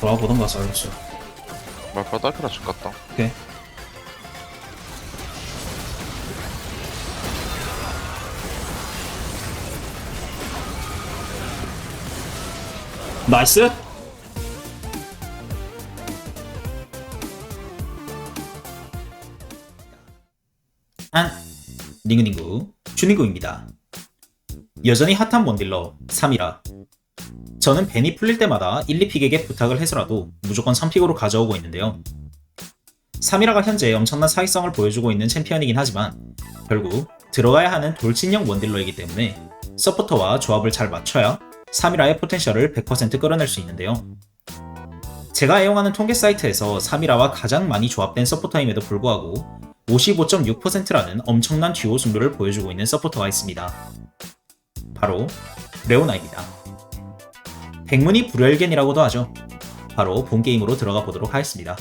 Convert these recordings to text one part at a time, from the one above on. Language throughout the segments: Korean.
돌아보던가 살렸어. 말파 딸피라 집 갔다. 오케이. 나이스. 안 닝구닝구 주닝구입니다. 여전히 핫한 원딜러 3이라 저는 벤이 풀릴 때마다 1, 2픽에게 부탁을 해서라도 무조건 3픽으로 가져오고 있는데요. 3이라가 현재 엄청난 사기성을 보여주고 있는 챔피언이긴 하지만 결국 들어가야 하는 돌진형 원딜러이기 때문에 서포터와 조합을 잘 맞춰야 3이라의 포텐셜을 100% 끌어낼 수 있는데요. 제가 애용하는 통계 사이트에서 3이라와 가장 많이 조합된 서포터임에도 불구하고 55.6%라는 엄청난 듀오 승률을 보여주고 있는 서포터가 있습니다. 바로 레오나입니다. 백문이 불여일견이라고도 하죠. 바로 본 게임으로 들어가 보도록 하겠습니다.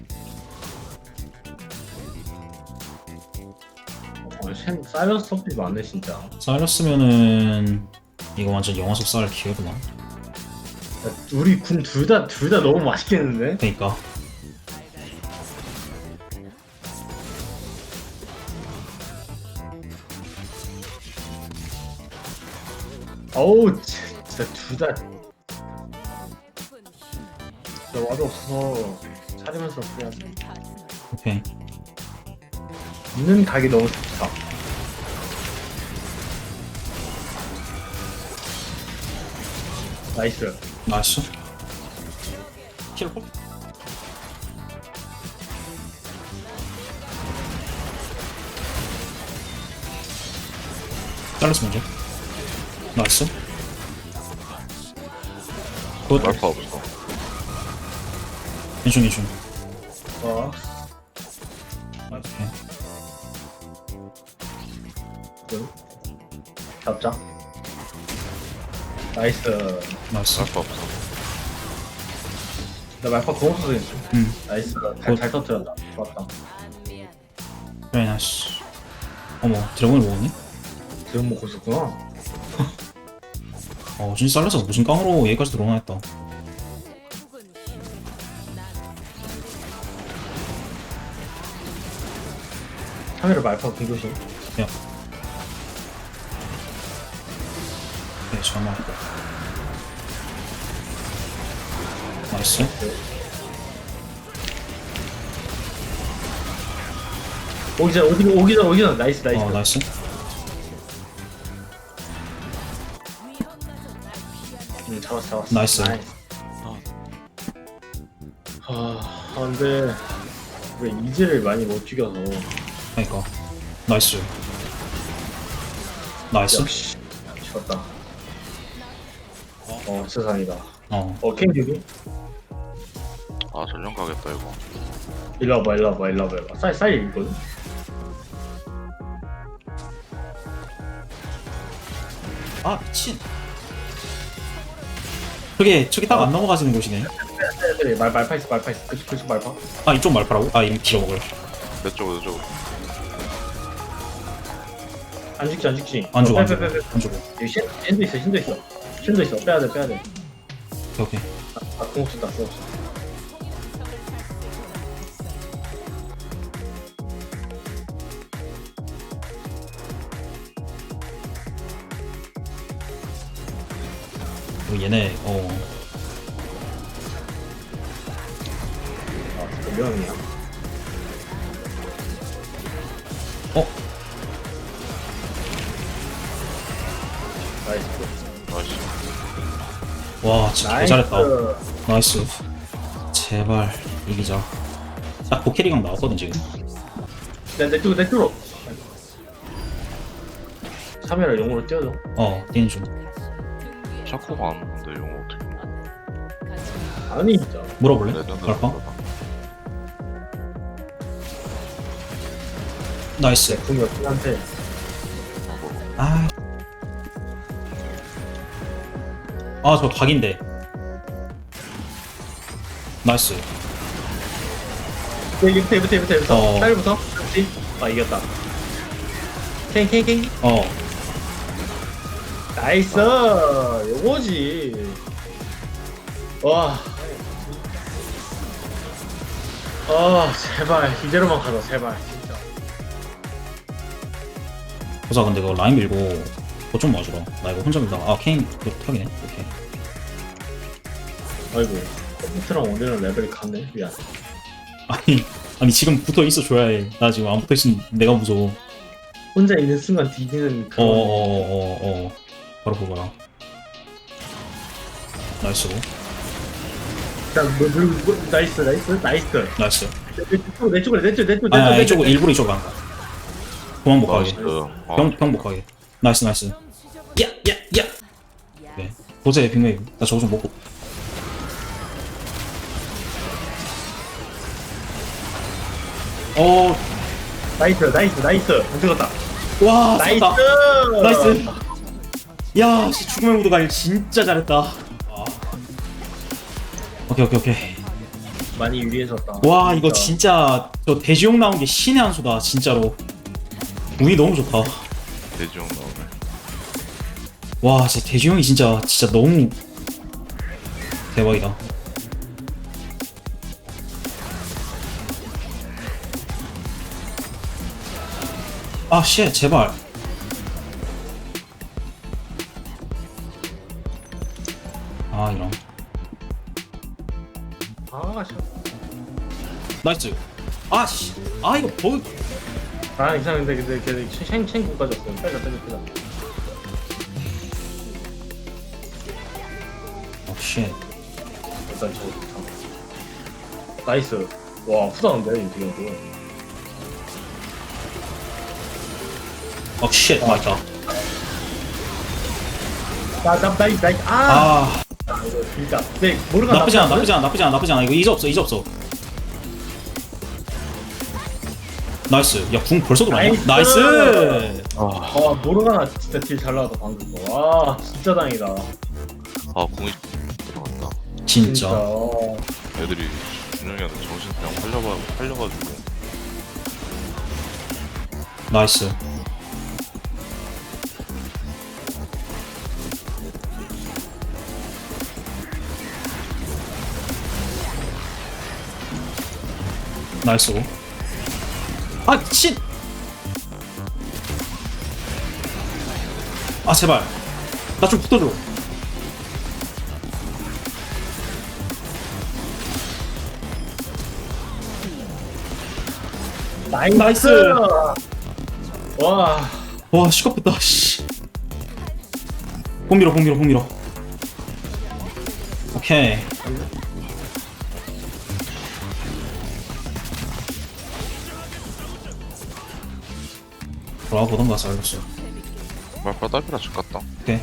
사이러스 서플이 많네 진짜. 사이러스면은 이거 완전 영화 속 쌀 기회구나. 우리 군 둘 다 너무 맛있겠는데? 그니까 어우 진짜 둘 다. 나 와도 없어서 차리면서 그냥 오케이. 있는 각이 너무 좋다. 나이스. 나이스. 킬콜? 잘랐어 먼저. 나이스. 굿. 말파 없어. 인중 인중. 어. 오케이. 잡자. 나이스. 나이스. 말파 없어. 나 말파 공 없어서 했어. 나이스. 잘 터뜨렸다. 좋았다. 그래 나이스. 어머 드래곤을 먹었네? 지금 먹고 있었구나. 진짜 잘라서 무슨 깡으로 여기까지 들어오나 했다. 카메라 말파 공조심. 야. 네, 잠깐만. 나이스. 오기 전 나이스. 나이스. 잡았어. 나이스. 근데 왜 이즈를 많이 못 죽여서. 그니까. 나이스. 나이스. 역시 죽었다. 세상이다. 캔 여기? 아 전령 가겠다 이거. 일로 와봐. 사이 있거든? 아, 미친. 저기 딱 안 넘어가지는 곳이네. 그래, 말파 있어. 그쪽 말파. 아, 이쪽 말파라고? 아, 이름 길어먹을. 내 쪽으로 안 죽지. 안 죽어. 여기 신도 있어. 빼야 돼. 오케이. 공 없었다. 얘네, 몇 명이야? 나이스. 나이스. 와, 진짜 개 잘했다. 나이스. 제발, 이기자. 딱 보캐리강 나왔거든, 지금. 내 쪽으로. 카메라 용으로 띄워줘. 뛰는 중. 샤코가 안 오는데 이거 어떻게? 아니 진짜. 물어볼래? 레전드. 말파? 나이스. 궁이 없긴 한데. 저 각인데. 나이스. 여기부터. 딸부터. 그렇지. 이겼다. 캥. 나이스. 요거지. 와. 아 제발 이대로만 가자 제발 진짜. 보자 근데 그거 라인 밀고 그거 좀 와주라. 나 이거 혼자 밀다가 아 케인 이거 타기네. 오케이. 아이고 컴퓨터랑 원래는 레벨이 같네. 미안. 아니 지금 붙어 있어 줘야 해. 나 지금 안 붙어 있으면 내가 무서워. 혼자 있는 순간 뒤지는 그런. 바로 그거야. 나이스. 자, 나이스 나이스 나이스. 나이스. 내 쪽으로 내 쪽으로 아니 이쪽으로 일부러 이쪽으로 간 거야. 도망 못 가게. 나이스. 병 못 가게. 나이스 나이스. 야. 네. 도제 빅메이브. 나 저거 좀 먹고. 나이스 안 들어갔다. 와 나이스 쏜다. 나이스. 야, 씨, 죽음의 무드가 진짜 잘했다. 오케이. 많이 유리해졌다. 와, 이거 진짜 저 대지용 나온 게 신의 한 수다, 진짜로. 운이 너무 좋다. 대지용 나오네. 와, 진짜 대지용이 진짜 너무 대박이다. 아, 쉣, 제발. 아, 이런. 아 씨. 나이스. 아, 씨. 아, 이거 버그. 아 이상한데 근데 챙고 가졌어. 빼자. 어, 쉣. 일단 저거 나이스. 와 후다운데 인티경도. 어, 쉣. 맞다. 나이스. 아, 이거 진짜. 네 모르가 나쁘지 않아. 이거 이제 없어. 나이스. 야, 궁 벌써 들어왔냐? 나이스! 나이스! 아 모르가나 진짜 딜 잘 나왔다 방금 거. 와 진짜 다행이다. 아 궁이 들어갔다. 진짜. 애들이 준영이한테 정신 그냥 팔려가지고. 나이스. 나이스. 아, 미친! 아, 제발. 나 좀 붙어줘. 나이스! 와 와, 시겁했다, 씨. 공 밀어. 오케이. 돌아보던가, 살렸어. 말파 딸피라 집 갔다. 오케이.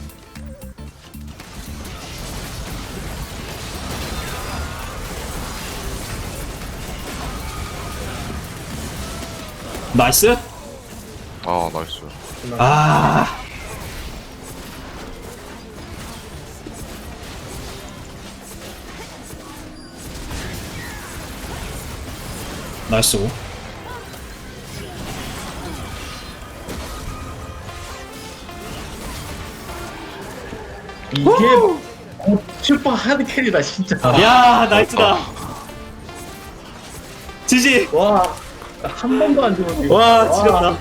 나이스! 아 나이스. 아. 나이스. 이게 슈퍼 하드 캐리다 진짜. 야, 나이스다. 지지. 와 한 번도 안 죽었네. 와, 지렸다.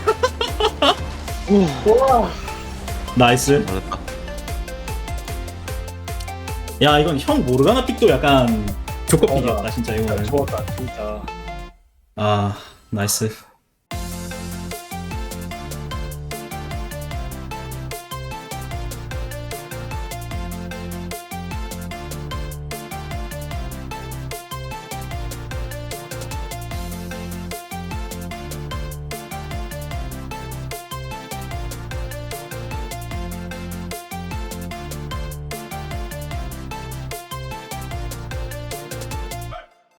와 나이스. 잘했다. 야, 이건 형 모르가나 픽도 약간 조커픽이었다, 진짜 이거는. 좋았다 진짜. 아, 나이스.